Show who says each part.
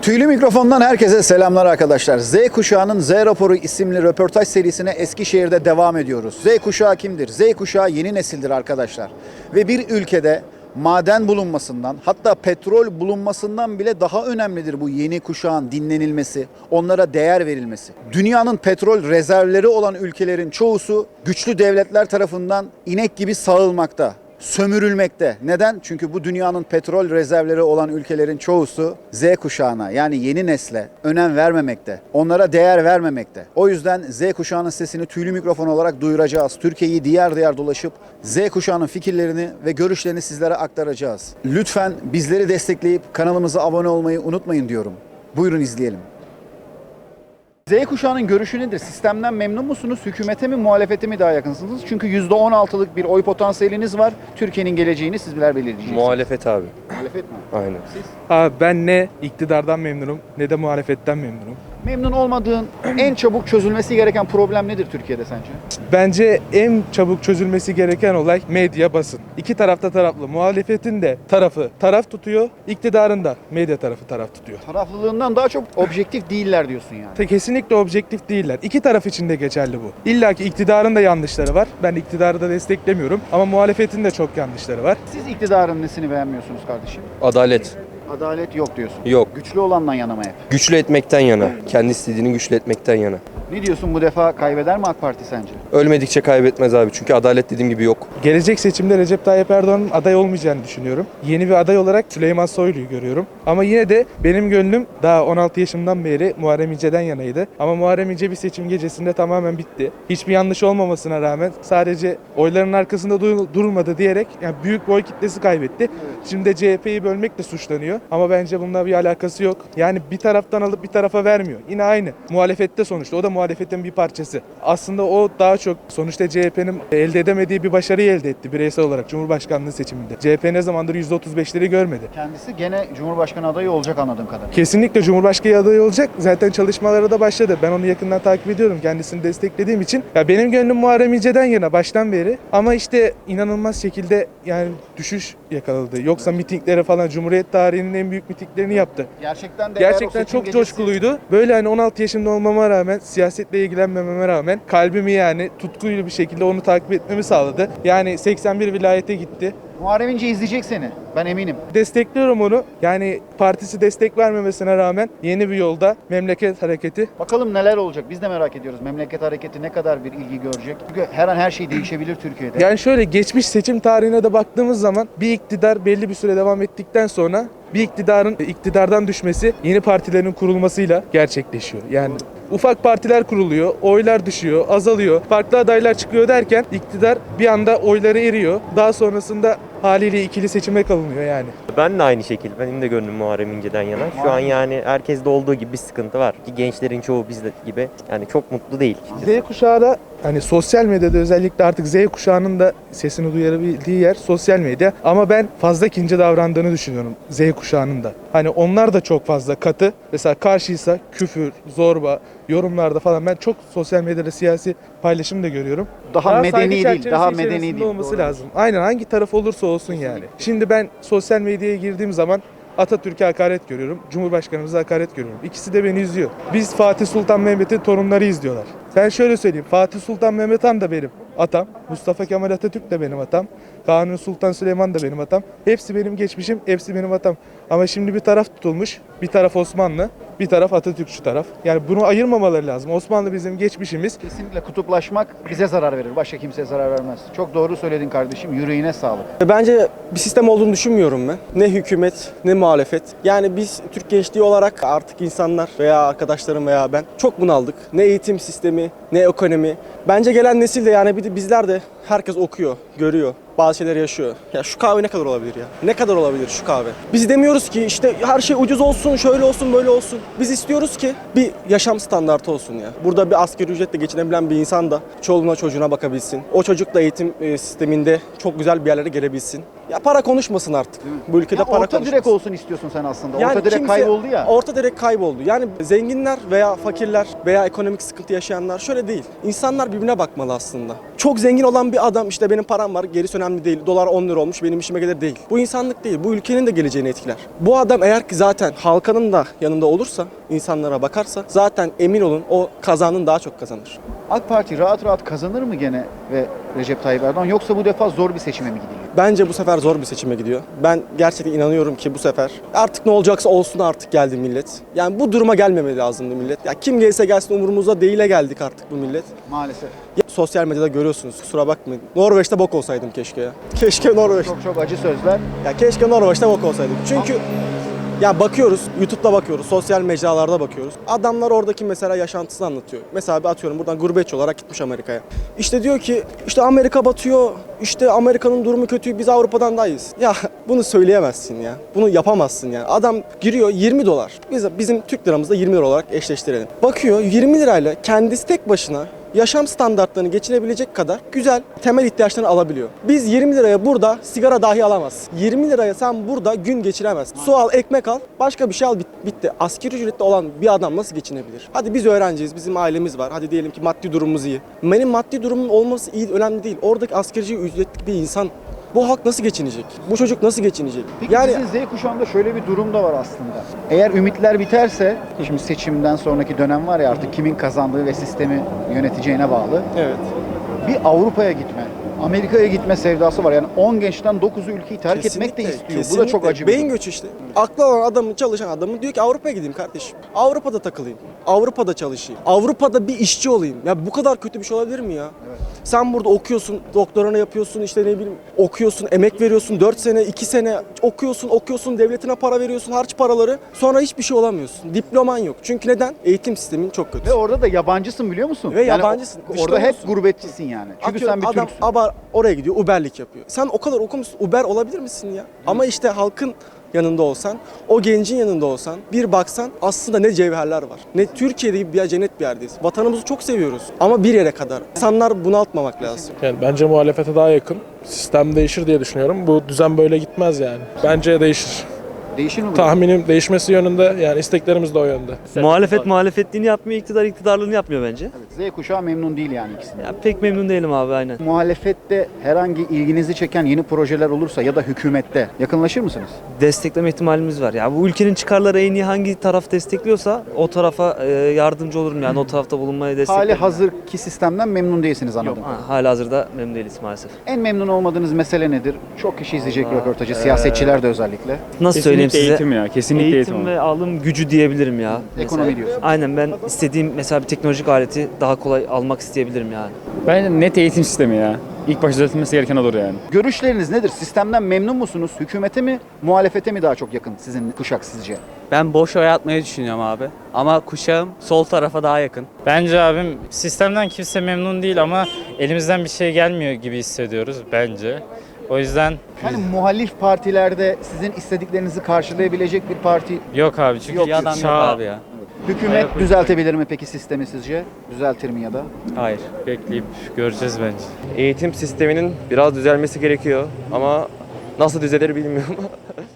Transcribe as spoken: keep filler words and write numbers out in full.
Speaker 1: Tüylü Mikrofon'dan herkese selamlar arkadaşlar. Z Kuşağı'nın Z Raporu isimli röportaj serisine Eskişehir'de devam ediyoruz. Z Kuşağı kimdir? Z Kuşağı yeni nesildir arkadaşlar. Ve bir ülkede maden bulunmasından, hatta petrol bulunmasından bile daha önemlidir bu yeni kuşağın dinlenilmesi, onlara değer verilmesi. Dünyanın petrol rezervleri olan ülkelerin çoğusu güçlü devletler tarafından inek gibi sağılmakta, sömürülmekte. Neden? Çünkü bu dünyanın petrol rezervleri olan ülkelerin çoğusu Z kuşağına, yani yeni nesle önem vermemekte. Onlara değer vermemekte. O yüzden Z kuşağının sesini Tüylü Mikrofon olarak duyuracağız. Türkiye'yi diğer diğer dolaşıp Z kuşağının fikirlerini ve görüşlerini sizlere aktaracağız. Lütfen bizleri destekleyip kanalımıza abone olmayı unutmayın diyorum. Buyurun izleyelim. Z kuşağının görüşü nedir? Sistemden memnun musunuz? Hükümete mi, muhalefete mi daha yakınsınız? Çünkü yüzde on altılık bir oy potansiyeliniz var. Türkiye'nin geleceğini sizler belirleyeceksiniz.
Speaker 2: Muhalefet abi.
Speaker 1: Muhalefet mi?
Speaker 2: Aynen.
Speaker 1: Siz?
Speaker 3: Abi ben ne iktidardan memnunum ne de muhalefetten memnunum.
Speaker 1: Memnun olmadığın, en çabuk çözülmesi gereken problem nedir Türkiye'de sence?
Speaker 3: Bence en çabuk çözülmesi gereken olay medya, basın. İki tarafta taraflı. Muhalefetin de tarafı taraf tutuyor, iktidarın da medya tarafı taraf tutuyor.
Speaker 1: Taraflılığından daha çok objektif değiller diyorsun yani.
Speaker 3: Te- Kesinlikle objektif değiller. İki taraf için de geçerli bu. İlla ki iktidarın da yanlışları var. Ben iktidarı da desteklemiyorum ama muhalefetin de çok yanlışları var.
Speaker 1: Siz iktidarın nesini beğenmiyorsunuz kardeşim?
Speaker 2: Adalet
Speaker 1: Adalet yok diyorsun.
Speaker 2: yok.
Speaker 1: Güçlü olandan yana mı hep?
Speaker 2: Güçlü etmekten yana. Kendi istediğini güçlü etmekten yana.
Speaker 1: Ne diyorsun, bu defa kaybeder mi AK Parti sence?
Speaker 2: Ölmedikçe kaybetmez abi. Çünkü adalet dediğim gibi yok.
Speaker 3: Gelecek seçimde Recep Tayyip Erdoğan'ın aday olmayacağını düşünüyorum. Yeni bir aday olarak Süleyman Soylu'yu görüyorum. Ama yine de benim gönlüm daha on altı yaşımdan beri Muharrem İnce'den yanaydı. Ama Muharrem İnce bir seçim gecesinde tamamen bitti. Hiçbir yanlış olmamasına rağmen sadece oyların arkasında dur- durmadı diyerek yani büyük bir oy kitlesi kaybetti. Şimdi de C H P'yi bölmekle suçlanıyor. Ama bence bununla bir alakası yok. Yani bir taraftan alıp bir tarafa vermiyor. Yine aynı. Muhalefette sonuçta. O da muhalefetin bir parçası. Aslında o daha çok sonuçta C H P'nin elde edemediği bir başarıyı elde etti bireysel olarak Cumhurbaşkanlığı seçiminde. C H P ne zamandır yüzde otuz beşleri görmedi.
Speaker 1: Kendisi gene Cumhurbaşkanı adayı olacak anladığım kadarıyla.
Speaker 3: Kesinlikle Cumhurbaşkanı adayı olacak. Zaten çalışmaları da başladı. Ben onu yakından takip ediyorum. Kendisini desteklediğim için. Ya benim gönlüm Muharrem İnce'den yana baştan beri. Ama işte inanılmaz şekilde yani düşüş yakaladı. Yoksa mitingleri falan Cumhuriyet tarihinin en büyük mitinglerini yaptı.
Speaker 1: Gerçekten de eğer o
Speaker 3: Gerçekten
Speaker 1: seçim
Speaker 3: çok
Speaker 1: gecesi-
Speaker 3: coşkuluydu. Böyle hani on altı yaşında olmama rağmen, siyasetle ilgilenmememe rağmen kalbimi yani tutkuyla bir şekilde onu takip etmemi sağladı. Yani seksen bir vilayete gitti.
Speaker 1: Muharrem İnce izleyecek seni. Ben eminim.
Speaker 3: Destekliyorum onu. Yani partisi destek vermemesine rağmen yeni bir yolda memleket hareketi.
Speaker 1: Bakalım neler olacak. Biz de merak ediyoruz. Memleket hareketi ne kadar bir ilgi görecek? Çünkü her an her şey değişebilir Türkiye'de.
Speaker 3: Yani şöyle geçmiş seçim tarihine de baktığımız zaman bir iktidar belli bir süre devam ettikten sonra bir iktidarın iktidardan düşmesi yeni partilerin kurulmasıyla gerçekleşiyor. Yani ufak partiler kuruluyor, oylar düşüyor, azalıyor, farklı adaylar çıkıyor derken iktidar bir anda oyları eriyor. Daha sonrasında haliyle ikili seçime kalınıyor yani.
Speaker 4: Ben de aynı şekilde. Benim de gönlüm Muharrem İnce'den yana. Şu an yani herkeste olduğu gibi bir sıkıntı var. Ki gençlerin çoğu bizde gibi yani çok mutlu değil.
Speaker 3: Z kuşağı da hani sosyal medyada özellikle artık Z kuşağının da sesini duyurabildiği yer sosyal medya. Ama ben fazla kince davrandığını düşünüyorum Z kuşağının da. Hani onlar da çok fazla katı. Mesela karşıysa küfür, zorba, yorumlarda falan ben çok sosyal medyada siyasi paylaşım da görüyorum.
Speaker 1: Daha medeni
Speaker 3: saygı
Speaker 1: değil,
Speaker 3: çerçevesi
Speaker 1: daha medeni
Speaker 3: içerisinde
Speaker 1: değil.
Speaker 3: olması
Speaker 1: Doğru.
Speaker 3: lazım. Aynen hangi taraf olursa olsun yani. Şimdi ben sosyal medyaya girdiğim zaman Atatürk'e hakaret görüyorum, Cumhurbaşkanımıza hakaret görüyorum. İkisi de beni izliyor. Biz Fatih Sultan Mehmet'in torunları izliyorlar. Ben şöyle söyleyeyim, Fatih Sultan Mehmet Han da benim atam, Mustafa Kemal Atatürk de benim atam, Kanuni Sultan Süleyman da benim atam. Hepsi benim geçmişim, hepsi benim atam. Ama şimdi bir taraf tutulmuş, bir taraf Osmanlı, bir taraf Atatürkçü taraf. Yani bunu ayırmamaları lazım. Osmanlı bizim geçmişimiz.
Speaker 1: Kesinlikle kutuplaşmak bize zarar verir. Başka kimseye zarar vermez. Çok doğru söyledin kardeşim. Yüreğine sağlık.
Speaker 5: Bence bir sistem olduğunu düşünmüyorum ben. Ne hükümet ne muhalefet. Yani biz Türk gençliği olarak artık insanlar veya arkadaşlarım veya ben çok bunaldık. Ne eğitim sistemi ne ekonomi. Bence gelen nesil de yani bir de bizler de herkes okuyor, görüyor. Bazı şeyler yaşıyor. Ya şu kahve ne kadar olabilir ya? Ne kadar olabilir şu kahve? Biz demiyoruz ki işte her şey ucuz olsun, şöyle olsun, böyle olsun. Biz istiyoruz ki bir yaşam standartı olsun ya. Burada bir asgari ücretle geçinebilen bir insan da çoluğuna çocuğuna bakabilsin. O çocuk da eğitim e, sisteminde çok güzel bir yerlere gelebilsin. Ya para konuşmasın artık. Bu ülkede
Speaker 1: Ya
Speaker 5: para
Speaker 1: orta
Speaker 5: konuşmasın.
Speaker 1: direk olsun istiyorsun sen aslında.
Speaker 5: Yani
Speaker 1: orta direk
Speaker 5: kimse-
Speaker 1: kayboldu ya.
Speaker 5: Orta direk kayboldu. Yani zenginler veya fakirler veya ekonomik sıkıntı yaşayanlar şöyle değil. İnsanlar birbirine bakmalı aslında. Çok zengin olan bir adam işte benim param var, gerisi önemli değil. Dolar on lira olmuş, benim işime gelir değil. Bu insanlık değil. Bu ülkenin de geleceğini etkiler. Bu adam eğer ki zaten halkanın da yanında olursa, insanlara bakarsa zaten emin olun o kazanın daha çok kazanır.
Speaker 1: AK Parti rahat rahat kazanır mı gene ve Recep Tayyip Erdoğan, yoksa bu defa zor bir seçime mi gidiliyor?
Speaker 5: Bence bu sefer zor bir seçime gidiyor. Ben gerçekten inanıyorum ki bu sefer artık ne olacaksa olsun artık geldi millet. Yani bu duruma gelmemeli lazımdı millet. Ya kim gelirse gelsin umurumuzda değile geldik artık bu millet.
Speaker 1: Maalesef.
Speaker 5: Ya, sosyal medyada görüyorsunuz kusura bakmayın. Norveç'te bok olsaydım keşke ya. Keşke Norveç.
Speaker 1: Çok çok acı sözler.
Speaker 5: Ya keşke Norveç'te bok olsaydım. Çünkü ya bakıyoruz, YouTube'da bakıyoruz, sosyal mecralarda bakıyoruz. Adamlar oradaki mesela yaşantısını anlatıyor. Mesela bir atıyorum buradan gurbetçi olarak gitmiş Amerika'ya. İşte diyor ki işte Amerika batıyor, işte Amerika'nın durumu kötü, biz Avrupa'dan daha iyiyiz. Ya bunu söyleyemezsin ya. Bunu yapamazsın yani. Adam giriyor yirmi dolar. Biz bizim Türk liramızda yirmi lira olarak eşleştirelim. Bakıyor yirmi lirayla kendisi tek başına yaşam standartlarını geçinebilecek kadar güzel temel ihtiyaçlarını alabiliyor. Biz yirmi liraya burada sigara dahi alamazsın. yirmi liraya sen burada gün geçiremezsin. Su al, ekmek al, başka bir şey al, bit- bitti. Asgari ücretli olan bir adam nasıl geçinebilir? Hadi biz öğrenciyiz, bizim ailemiz var. Hadi diyelim ki maddi durumumuz iyi. Benim maddi durumum olması iyi, önemli değil. Oradaki asgari ücretli bir insan bu halk nasıl geçinecek? Bu çocuk nasıl geçinecek?
Speaker 1: Peki
Speaker 5: yani
Speaker 1: sizin Z kuşağında şöyle bir durum da var aslında. Eğer ümitler biterse, şimdi seçimden sonraki dönem var ya artık kimin kazandığı ve sistemi yöneteceğine bağlı.
Speaker 5: evet.
Speaker 1: Bir Avrupa'ya gitme, Amerika'ya gitme sevdası var. Yani on gençten dokuzu ülkeyi terk etmek de
Speaker 5: Kesinlikle,
Speaker 1: istiyor. Bu da
Speaker 5: kesinlikle.
Speaker 1: çok acı bir
Speaker 5: Beyin
Speaker 1: durum.
Speaker 5: göçü işte. Aklı olan adamın, çalışan adamın diyor ki Avrupa'ya gideyim kardeşim. Avrupa'da takılayım. Avrupa'da çalışayım. Avrupa'da bir işçi olayım. Ya bu kadar kötü bir şey olabilir mi ya? Sen burada okuyorsun, doktoranı yapıyorsun, işte ne bileyim okuyorsun, emek veriyorsun, dört sene, iki sene okuyorsun, okuyorsun, devletine para veriyorsun, harç paraları. Sonra hiçbir şey olamıyorsun. Diploman yok. Çünkü neden? Eğitim sistemin çok kötü.
Speaker 1: Ve orada da yabancısın biliyor musun?
Speaker 5: Ve
Speaker 1: Yani
Speaker 5: yabancısın.
Speaker 1: o-
Speaker 5: Dışta
Speaker 1: Orada hep
Speaker 5: olursun.
Speaker 1: gurbetçisin yani. Çünkü
Speaker 5: Atıyorum,
Speaker 1: sen bir
Speaker 5: adam
Speaker 1: Türksün.
Speaker 5: abar oraya gidiyor, Uber'lik yapıyor. Sen o kadar okumuşsun, Uber olabilir misin ya? Ama işte halkın yanında olsan, o gencin yanında olsan, bir baksan aslında ne cevherler var. Ne Türkiye'de gibi bir cennet bir yerdeyiz. Vatanımızı çok seviyoruz ama bir yere kadar. İnsanlar bunaltmamak lazım.
Speaker 6: Yani bence muhalefete daha yakın. Sistem değişir diye düşünüyorum. Bu düzen böyle gitmez yani. Bence değişir.
Speaker 1: Değişir mi bu?
Speaker 6: Tahminim değişmesi yönünde, yani isteklerimiz de o yönde.
Speaker 7: Muhalefet muhalefetliğini yapmıyor, iktidar iktidarlığını yapmıyor bence.
Speaker 1: Evet, Z kuşağı memnun değil yani ikisinden.
Speaker 7: Ya pek memnun değilim abi aynen.
Speaker 1: Muhalefette herhangi ilginizi çeken yeni projeler olursa ya da hükümette yakınlaşır mısınız?
Speaker 7: Destekleme ihtimalimiz var. Ya bu ülkenin çıkarları en iyi hangi taraf destekliyorsa o tarafa e, yardımcı olurum yani o tarafta bulunmaya desteklerim.
Speaker 1: Hali hazırki sistemden memnun değilsiniz
Speaker 7: Yok,
Speaker 1: anladım.
Speaker 7: ha, hala hazırda memnun değiliz maalesef.
Speaker 1: En memnun olmadığınız mesele nedir? Çok kişi izleyecek
Speaker 7: Vallahi,
Speaker 1: röportajı,
Speaker 7: eee,
Speaker 1: siyasetçiler de özellikle.
Speaker 7: Nasıl söyleyeyim size?
Speaker 8: Eğitim ya. Kesinlikle eğitim.
Speaker 7: Eğitim ve alım gücü diyebilirim ya.
Speaker 1: Ekonomi
Speaker 7: Mesela.
Speaker 1: diyorsun.
Speaker 7: Aynen ben istediğim mesela bir teknolojik aleti daha kolay almak isteyebilirim yani.
Speaker 8: Bence net eğitim sistemi ya. İlk başta düzeltilmesi gereken odur yani.
Speaker 1: Görüşleriniz nedir? Sistemden memnun musunuz? Hükümete mi, muhalefete mi daha çok yakın sizin kuşak sizce?
Speaker 9: Ben boş oy atmayı düşünüyorum abi. Ama kuşağım sol tarafa daha yakın.
Speaker 10: Bence abim sistemden kimse memnun değil ama elimizden bir şey gelmiyor gibi hissediyoruz bence. O yüzden
Speaker 1: Yani muhalif partilerde sizin istediklerinizi karşılayabilecek bir parti
Speaker 10: yok abi çünkü
Speaker 1: Yok,
Speaker 9: Bir adam yok
Speaker 10: çağ-
Speaker 9: abi ya.
Speaker 1: hükümet düzeltebilir mi peki sistemi sizce? Düzeltir mi ya da?
Speaker 9: Hayır.
Speaker 10: bekleyip göreceğiz bence.
Speaker 2: Eğitim sisteminin biraz düzelmesi gerekiyor ama nasıl düzelir bilmiyorum.